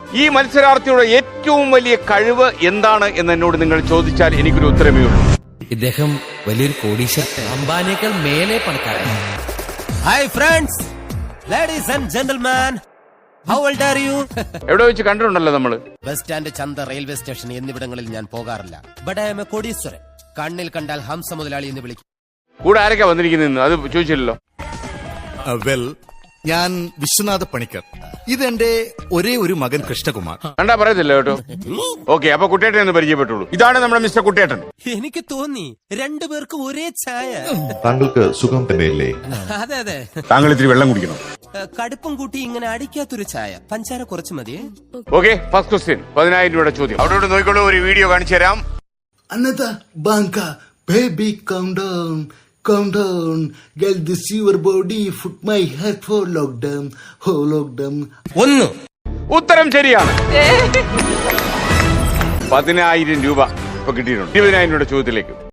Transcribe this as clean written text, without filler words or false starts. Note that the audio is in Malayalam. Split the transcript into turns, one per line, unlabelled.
ഈ മത്സരാർത്ഥിയുടെ ഏറ്റവും വലിയ കഴിവ് എന്താണ് എന്ന് എന്നോട് നിങ്ങൾ ചോദിച്ചാൽ എനിക്കൊരു ഉത്തരമേ ഉള്ളൂ.
ഇദ്ദേഹം വലിയൊരു കോടീശ്വരൻ, അംബാനിയേക്കാൾ മേലെ പണക്കാരൻ.
Hi friends, ladies and gentleman, how old are you?
എവിടെ വെച്ച് കണ്ടിട്ടുണ്ടല്ലോ നമ്മള്.
ബസ് സ്റ്റാൻഡ്, ചന്ത, റെയിൽവേ സ്റ്റേഷൻ എന്നിവിടങ്ങളിൽ ഞാൻ പോകാറില്ല. ബട്ട് ഐ എം എ കോടീശ്വരൻ. കണ്ണിൽ കണ്ടാൽ ഹംസ മുതലാളി എന്ന് വിളിക്കും.
കൂടെ ആരൊക്കെ വന്നിരിക്കുന്നു അത് ചോദിച്ചില്ലല്ലോ.
വെൽ, ഞാൻ വിശ്വനാഥ പണിക്കർ. ഇതെന്റെ ഒരേ ഒരു മകൻ കൃഷ്ണകുമാർ.
കണ്ടാ പറയത്തില്ല കേട്ടോ. ഓക്കെ, അപ്പൊ കുട്ടേട്ടൻ എന്ന് പരിചയപ്പെട്ടുള്ളൂ. ഇതാണ് നമ്മുടെ മിസ്റ്റർ കുട്ടേട്ടൻ.
എനിക്ക് തോന്നി രണ്ടുപേർക്കും ഒരേ ചായ.
താങ്കൾക്ക് സുഖം തന്നെയല്ലേ?
അതെ അതെ,
താങ്കൾ ഇത്തിരി വെള്ളം കുടിക്കണം.
കടുപ്പം കൂട്ടി ഇങ്ങനെ അടിക്കാത്തൊരു ചായ, പഞ്ചാര കുറച്ച് മതിയേ.
ഓക്കെ, ഫസ്റ്റ് ക്വസ്റ്റ്യൻ 10,000 രൂപയുടെ ചോദ്യം. അവിടെ നോക്കിക്കോളൂ, ഒരു വീഡിയോ കാണിച്ചു തരാം.
Another banka, baby, calm down, calm down. Get this your body, put my head for lockdown, oh lockdown.
ഒന്ന്
ഉത്തരം ശരിയാണ്. 10,000 രൂപ ഇപ്പൊ കിട്ടിയിട്ടുണ്ട്. 20,000 രൂപയുടെ ചോദ്യത്തിലേക്ക്.